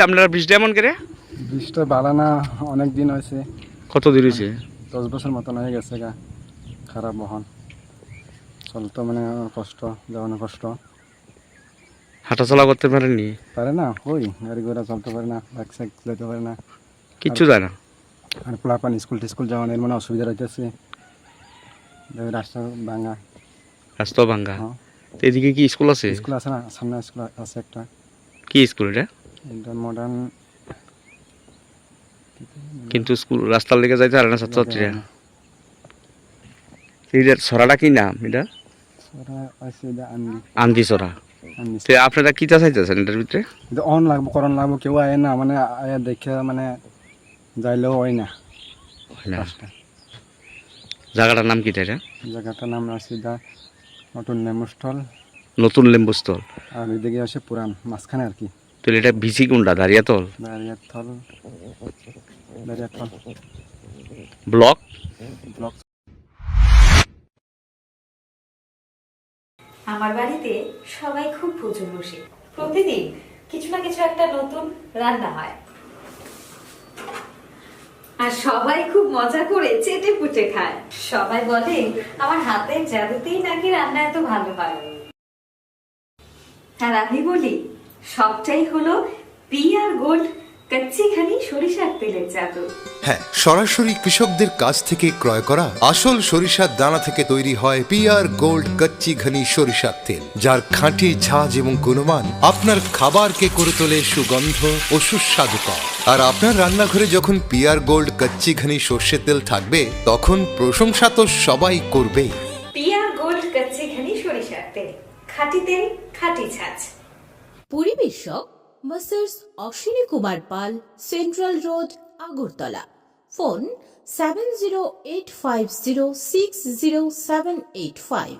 আপনারা বৃষ্টি এমন করে? বৃষ্টি ভালো না, অনেক দিন হয়েছে। কত দিন হয়েছে? 10 বছর মতন হয়ে গেছে গা। খারাপ বহন চলতো, মানে কষ্ট, যাওয়ানো কষ্ট। হাঁটাচলা করতে পারেননি? পারে না, ওই গাড়ি ঘোড়া চলতে পারে না, বাইক সাইক যেতে পারে না, কিচ্ছু যায় না? আর পোলাপান স্কুল টিস্কুল যাওয়ানোর মানে অসুবিধা রইতেছে। রাস্তা ভাঙা। রাস্তা ভাঙ্গা। হ্যাঁ, তো এদিকে কি স্কুল আছে? স্কুল আছে না, সামনে স্কুল আছে একটা। কি স্কুল এটা? এটা মডার্ন। কিন্তু স্কুল রাস্তার লেগে যাইতে পারে না ছাত্রছাত্রীরা। এটার ছড়াটা কি নাম এটা? আন্দি ছড়া। তো আপনারা কি চাইতেছেন এটার ভিতরে? অন লাগবো, করণ লাগবো, কেউ আয় না, মানে আয়া দেখে মানে যাইলেও হয় না। কাজটা। জায়গাটার নাম কি এটা? জায়গাটার নাম আছে দা নতুন লেম্বুস্থল। নতুন লেম্বুস্থল। আর ওইদিকে আছে পুরান, মাঝখানে আর কি। তো এটা ভিসি কোনটা? দাঁড়িয়াতল দাঁড়িয়াতল, দাঁড়িয়াতল ব্লক। ব্লক। আমার বাড়িতে সবাই খুব প্রচুর বসে, প্রতিদিন কিছু না কিছু একটা নতুন রান্না হয়, আর সবাই খুব মজা করে চেটে পুটে খায়। সবাই বলে আমার হাতের জাদুতেই নাকি রান্না এত ভালো হয়। আর আমি বলি সবটাই হলো পিআর গোল্ড কচ্চিখানি সরিষার তেলের জাদু। হ্যাঁ, সরাসরি কৃষকদের কাছ থেকে ক্রয় করা আসল সরিষার দানা থেকে তৈরি হয় পিআর গোল্ড কচ্চি ঘনি সরিষার তেল, যার খাঁটি ঝাঁজ এবং গুণমান আপনার খাবারকে করে তোলে সুগন্ধ ও সুস্বাদুকর। আর আপনার রান্নাঘরে যখন পিআর গোল্ড কচ্চি ঘনি সর্ষের তেল থাকবে, তখন প্রশংসা তো সবাই করবেই। পিআর গোল্ড কচ্চিখানি সরিষার তেল, খাঁটি তেল, খাঁটি ছাঁচ। পরিবেশক masters Ashwini Kumar Pal, central road, Agartala. Phone 7085060785।